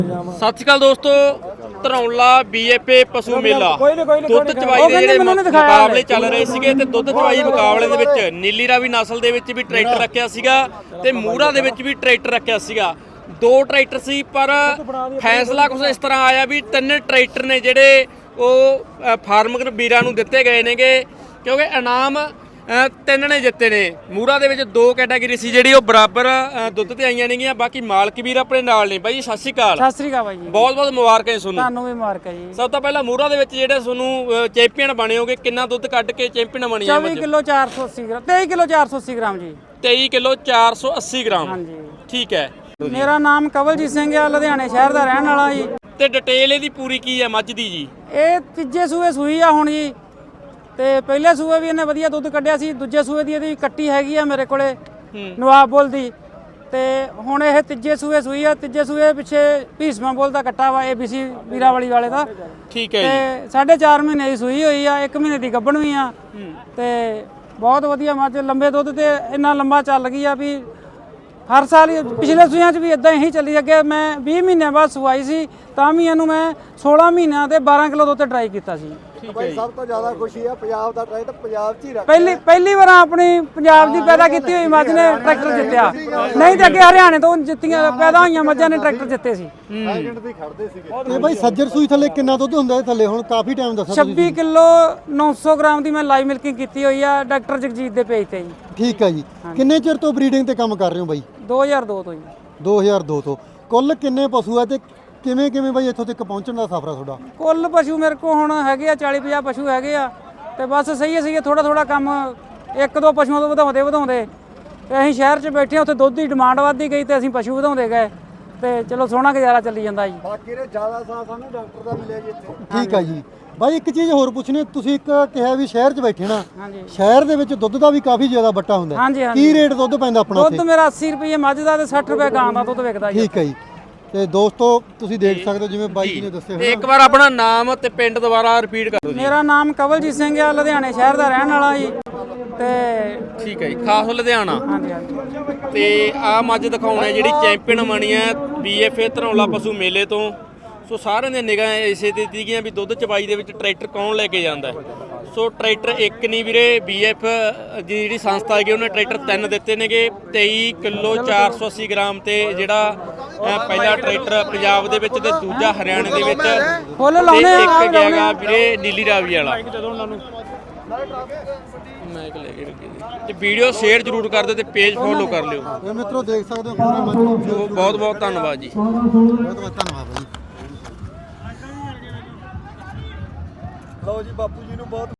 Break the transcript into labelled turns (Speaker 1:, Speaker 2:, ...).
Speaker 1: ਸਤਿ ਸ਼੍ਰੀ ਅਕਾਲ ਦੋਸਤੋ, ਧਰੌਲਾ BFA ਪਸ਼ੂ ਮੇਲਾ ਦੁੱਧ ਚਵਾਈ ਦੇ ਜਿਹੜੇ ਮੁਕਾਬਲੇ ਚੱਲ ਰਹੇ ਸੀਗੇ ਤੇ ਦੁੱਧ ਚਵਾਈ ਮੁਕਾਬਲੇ ਦੇ ਵਿੱਚ ਨੀਲੀ ਰਾਵੀ ਨਸਲ ਦੇ ਵਿੱਚ ਵੀ ਟਰੈਕਟਰ ਰੱਖਿਆ ਸੀਗਾ ਤੇ ਮੂਰਾ ਦੇ ਵਿੱਚ ਵੀ ਟਰੈਕਟਰ ਰੱਖਿਆ ਸੀਗਾ। ਦੋ ਟਰੈਕਟਰ ਸੀ ਪਰ ਫੈਸਲਾ ਕੁਝ ਇਸ ਤਰ੍ਹਾਂ ਆਇਆ ਵੀ ਤਿੰਨ ਟਰੈਕਟਰ ਨੇ ਜਿਹੜੇ ਉਹ ਫਾਰਮਰ ਵੀਰਾਂ ਨੂੰ ਦਿੱਤੇ ਗਏ ਨੇਗੇ, ਕਿਉਂਕਿ ਇਨਾਮ ਤਿੰਨ ਨੇ ਜਿੱਤੇ ਨੇ। ਮੂਰਾ ਦੇ ਵਿੱਚ ਦੋ ਕੈਟਾਗਰੀ ਸੀ ਜਿਹੜੀ ਉਹ ਬਰਾਬਰ ਦੁੱਧ ਤੇ ਆਈਆਂ ਨੇਗੀਆਂ। ਬਾਕੀ ਮਾਲਕ ਵੀਰ ਆਪਣੇ ਨਾਲ ਨੇ। ਬਾਈ ਜੀ ਸਤਿ ਸ਼੍ਰੀ ਅਕਾਲ।
Speaker 2: ਸਤਿ ਸ੍ਰੀ ਅਕਾਲ ਬਾਈ ਜੀ,
Speaker 1: ਬਹੁਤ ਬਹੁਤ ਮੁਬਾਰਕਾਂ ਜੀ
Speaker 2: ਤੁਹਾਨੂੰ ਵੀ ਮੁਬਾਰਕਾਂ ਜੀ।
Speaker 1: ਸਭ ਤੋਂ ਪਹਿਲਾਂ ਮੂਰਾ ਦੇ ਵਿੱਚ ਜਿਹੜੇ ਤੁਹਾਨੂੰ ਚੈਂਪੀਅਨ ਬਣੇ ਹੋਗੇ, ਕਿੰਨਾ ਦੁੱਧ ਕੱਢ ਕੇ ਚੈਂਪੀਅਨ ਬਣੀ ਆ?
Speaker 2: 24 ਕਿਲੋ 480 ਗ੍ਰਾਮ 23 ਕਿਲੋ 480 ਗ੍ਰਾਮ ਜੀ।
Speaker 1: 23 ਕਿਲੋ 480 ਗ੍ਰਾਮ।
Speaker 2: ਹਾਂਜੀ
Speaker 1: ਠੀਕ ਹੈ।
Speaker 2: ਮੇਰਾ ਨਾਮ ਕਵਲਜੀਤ ਸਿੰਘ ਆ, ਲੁਧਿਆਣੇ ਸ਼ਹਿਰ ਦਾ ਰਹਿਣ ਵਾਲਾ ਜੀ।
Speaker 1: ਤੇ ਡਿਟੇਲ ਇਹਦੀ ਪੂਰੀ ਕੀ ਹੈ ਮੱਝ ਦੀ ਜੀ?
Speaker 2: ਇਹ ਤੀਜੇ ਸੂਏ ਸੂਈ ਆ ਹੁਣ ਜੀ, ਤੇ ਪਹਿਲੇ ਸੂਏ ਵੀ ਇਹਨੇ ਵਧੀਆ ਦੁੱਧ ਕੱਢਿਆ ਸੀ। ਦੂਜੇ ਸੂਏ ਦੀ ਇਹਦੀ ਕੱਟੀ ਹੈਗੀ ਆ ਮੇਰੇ ਕੋਲੇ ਨਵਾਬ ਬੁੱਲ ਦੀ, ਤੇ ਹੁਣ ਇਹ ਤੀਜੇ ਸੂਏ ਸੂਈ ਆ। ਤੀਜੇ ਸੂਏ ਪਿੱਛੇ ਭੀਸਮਾ ਬੁੱਲ ਦਾ ਕੱਟਾ ਵਾ ABC ਵੀਰਾਵਾਲੀ ਵਾਲੇ ਦਾ।
Speaker 1: ਠੀਕ ਹੈ
Speaker 2: ਤੇ 4.5 ਮਹੀਨੇ ਦੀ ਸੂਈ ਹੋਈ ਆ, 1 ਮਹੀਨੇ ਦੀ ਗੱਭਣ ਵੀ ਆ। ਤੇ ਬਹੁਤ ਵਧੀਆ ਮੱਝ, ਲੰਬੇ ਦੁੱਧ ਤੇ ਇੰਨਾ ਲੰਬਾ ਚੱਲ ਗਈ ਆ ਵੀ ਹਰ ਸਾਲ ਪਿਛਲੇ ਸੂਈਆਂ 'ਚ ਵੀ ਇਦਾਂ ਹੀ ਚੱਲੀ ਅੱਗੇ। ਮੈਂ 20 ਮਹੀਨਿਆਂ ਬਾਅਦ ਸਵਾਈ ਸੀ ਤਾਂ ਵੀ ਇਹਨੂੰ ਮੈਂ 16 ਮਹੀਨਿਆਂ ਤੇ 12 ਕਿਲੋ ਦੁੱਧ ਟਰਾਈ ਕੀਤਾ ਸੀ।
Speaker 3: ਭਾਈ ਸਭ ਤੋਂ ਜ਼ਿਆਦਾ ਖੁਸ਼ੀ ਆ ਪੰਜਾਬ ਦਾ ਟਰੈਕਟਰ ਪੰਜਾਬ 'ਚ ਹੀ ਰੱਖ
Speaker 2: ਪਹਿਲੀ ਵਾਰ ਆਪਣੀ ਪੰਜਾਬ ਦੀ ਪੈਦਾ ਕੀਤੀ ਹੋਈ ਮੱਝ ਨੇ ਟਰੈਕਟਰ ਜਿੱਤਿਆ। ਨਹੀਂ ਤੇ ਅੱਗੇ ਹਰਿਆਣੇ ਤੋਂ ਜਿੱਤੀਆਂ ਪੈਦਾ ਹੋਈਆਂ ਮੱਝਾਂ ਨੇ ਟਰੈਕਟਰ ਜਿੱਤੇ ਸੀ।
Speaker 3: ਐਜੈਂਟ ਵੀ ਖੜਦੇ ਸੀਗੇ।
Speaker 4: ਤੇ ਭਾਈ ਸੱਜਰ ਸੂਈ ਥੱਲੇ ਕਿੰਨਾ ਦੁੱਧ ਹੁੰਦਾ ਹੈ ਥੱਲੇ? ਹੁਣ ਕਾਫੀ ਟਾਈਮ ਦੱਸੋ।
Speaker 2: 26 ਕਿਲੋ 900 ਗ੍ਰਾਮ ਦੀ ਮੈਂ ਲਾਈਵ ਮਿਲਕਿੰਗ ਕੀਤੀ ਹੋਈ ਆ ਡਾਕਟਰ ਜਗਜੀਤ ਦੇ ਪੇਜ ਤੇ ਜੀ।
Speaker 4: ਠੀਕ ਹੈ ਜੀ। ਕਿੰਨੇ ਚਿਰ ਤੋਂ ਬਰੀਡਿੰਗ ਤੇ ਕੰਮ ਕਰ ਰਹੇ ਹੋ ਬਾਈ?
Speaker 2: 2002 ਤੋਂ ਜੀ।
Speaker 4: 2002 ਤੋਂ। ਕੁੱਲ ਕਿੰਨੇ ਪਸ਼ੂ ਆ ਤੇ ਕਿਵੇਂ ਬਾਈ ਇੱਥੋਂ ਤੱਕ ਪਹੁੰਚਣ ਦਾ ਸਫ਼ਰ ਆ ਤੁਹਾਡਾ?
Speaker 2: ਕੁੱਲ ਪਸ਼ੂ ਮੇਰੇ ਕੋਲ ਹੁਣ ਹੈਗੇ ਆ 40-50 ਪਸ਼ੂ ਹੈਗੇ ਆ, ਤੇ ਬਸ ਸਹੀ ਥੋੜਾ ਕੰਮ ਇੱਕ ਦੋ ਪਸ਼ੂਆਂ ਤੋਂ ਵਧਾਉਂਦੇ ਤੇ ਅਸੀਂ ਸ਼ਹਿਰ 'ਚ ਬੈਠੇ ਆ। ਉੱਥੇ ਦੁੱਧ ਦੀ ਡਿਮਾਂਡ ਵੱਧਦੀ ਗਈ ਤੇ ਅਸੀਂ ਪਸ਼ੂ ਵਧਾਉਂਦੇ ਗਏ, ਤੇ ਚਲੋ ਸੋਹਣਾ ਗੁਜ਼ਾਰਾ ਚੱਲੀ ਜਾਂਦਾ ਜੀ।
Speaker 3: ਬਾਕੀ ਨੇ ਜ਼ਿਆਦਾ ਸਾਥ ਸਾਨੂੰ ਡਾਕਟਰ ਦਾ ਮਿਲਿਆ ਜੀ ਇੱਥੇ।
Speaker 4: ਠੀਕ ਹੈ ਜੀ। ਬਾਈ ਇੱਕ ਚੀਜ਼ ਹੋਰ ਪੁੱਛਣੀ, ਤੁਸੀਂ ਇੱਕ ਕਿਹਾ ਵੀ ਸ਼ਹਿਰ 'ਚ ਬੈਠੇ ਨਾ,
Speaker 2: ਹਾਂਜੀ
Speaker 4: ਸ਼ਹਿਰ ਦੇ ਵਿੱਚ ਦੁੱਧ ਦਾ ਵੀ ਕਾਫੀ ਜ਼ਿਆਦਾ ਬੱਟਾ ਹੁੰਦਾ ਹੈ।
Speaker 2: ਹਾਂਜੀ
Speaker 4: ਕੀ ਰੇਟ ਦੁੱਧ ਪੈਂਦਾ ਆਪਣਾ
Speaker 2: ਦੁੱਧ ਮੇਰਾ 80 ਰੁਪਏ ਮੱਝ ਦਾ ਤੇ 60 ਰੁਪਏ ਗਾਂ ਦਾ ਦੁੱਧ ਵਿਕਦਾ ਜੀ।
Speaker 4: ਠੀਕ ਹੈ ਜੀ। ਤੇ ਦੋਸਤੋ ਤੁਸੀਂ ਦੇਖ ਸਕਦੇ ਹੋ ਜਿਵੇਂ ਬਾਈ ਜੀ ਨੇ ਦੱਸਿਆ
Speaker 1: ਤੇ ਇੱਕ ਵਾਰ ਆਪਣਾ ਨਾਮ ਤੇ ਪਿੰਡ ਦੁਬਾਰਾ ਰਿਪੀਟ ਕਰ ਦਿਓ ਜੀ।
Speaker 2: ਮੇਰਾ ਨਾਮ ਕਵਲਜੀਤ ਸਿੰਘ ਆ, ਲੁਧਿਆਣੇ ਸ਼ਹਿਰ ਦਾ ਰਹਿਣ ਵਾਲਾ ਜੀ। ਤੇ
Speaker 1: ਠੀਕ ਹੈ ਜੀ, ਖਾਸ ਲੁਧਿਆਣਾ।
Speaker 2: ਹਾਂਜੀ
Speaker 1: ਤੇ ਆ ਮੱਝ ਦਿਖਾਉਣਾ ਜਿਹੜੀ ਚੈਂਪੀਅਨ ਬਣੀ ਹੈ BFA ਧਰੌਲਾ ਪਸ਼ੂ ਮੇਲੇ ਤੋਂ। ਸੋ ਸਾਰਿਆਂ ਦੀਆਂ ਨਿਗਾਹਾਂ ਇਸੇ ਤੇ ਸੀਗੀਆਂ ਵੀ ਦੁੱਧ ਚਵਾਈ ਦੇ ਵਿੱਚ ਟਰੈਕਟਰ ਕੌਣ ਲੈ ਕੇ ਜਾਂਦਾ। ਸੋ ਟਰੈਕਟਰ ਇੱਕ ਨਹੀਂ ਵੀਰੇ, BF ਦੀ ਜਿਹੜੀ ਸੰਸਥਾ ਹੈਗੀ ਉਹਨੇ ਟਰੈਕਟਰ 3 ਦਿੱਤੇ ਨੇਗੇ। 23 ਕਿਲੋ 480 ਗ੍ਰਾਮ ਤੇ ਜਿਹੜਾ ਪਹਿਲਾ ਟਰੈਕਟਰ ਪੰਜਾਬ ਦੇ ਵਿੱਚ ਤੇ ਦੂਜਾ ਹਰਿਆਣੇ ਦੇ ਵਿੱਚ,
Speaker 2: ਫੁੱਲ
Speaker 1: ਤੇ
Speaker 2: ਲਾਉਣੇ ਆ
Speaker 1: ਇੱਕ ਹੈਗਾ ਵੀਰੇ ਨੀਲੀ ਰਾਵੀ ਵਾਲਾ। ਮੈਂ ਇੱਕ ਲੈ ਕੇ ਰੱਖੀ ਤੇ ਵੀਡੀਓ ਸ਼ੇਅਰ ਜ਼ਰੂਰ ਕਰ ਦਿਓ ਤੇ ਪੇਜ ਫੋਲੋ ਕਰ ਲਿਓ।
Speaker 4: ਇਹ ਮਿੱਤਰੋ ਦੇਖ ਸਕਦੇ ਹੋ ਪੂਰੀ ਮੱਝ ਨੂੰ।
Speaker 1: ਬਹੁਤ ਬਹੁਤ ਧੰਨਵਾਦ ਜੀ।
Speaker 4: ਬਹੁਤ ਧੰਨਵਾਦ ਬਾਈ।
Speaker 3: ਲਓ ਜੀ ਬਾਪੂ ਜੀ ਨੂੰ ਬਹੁਤ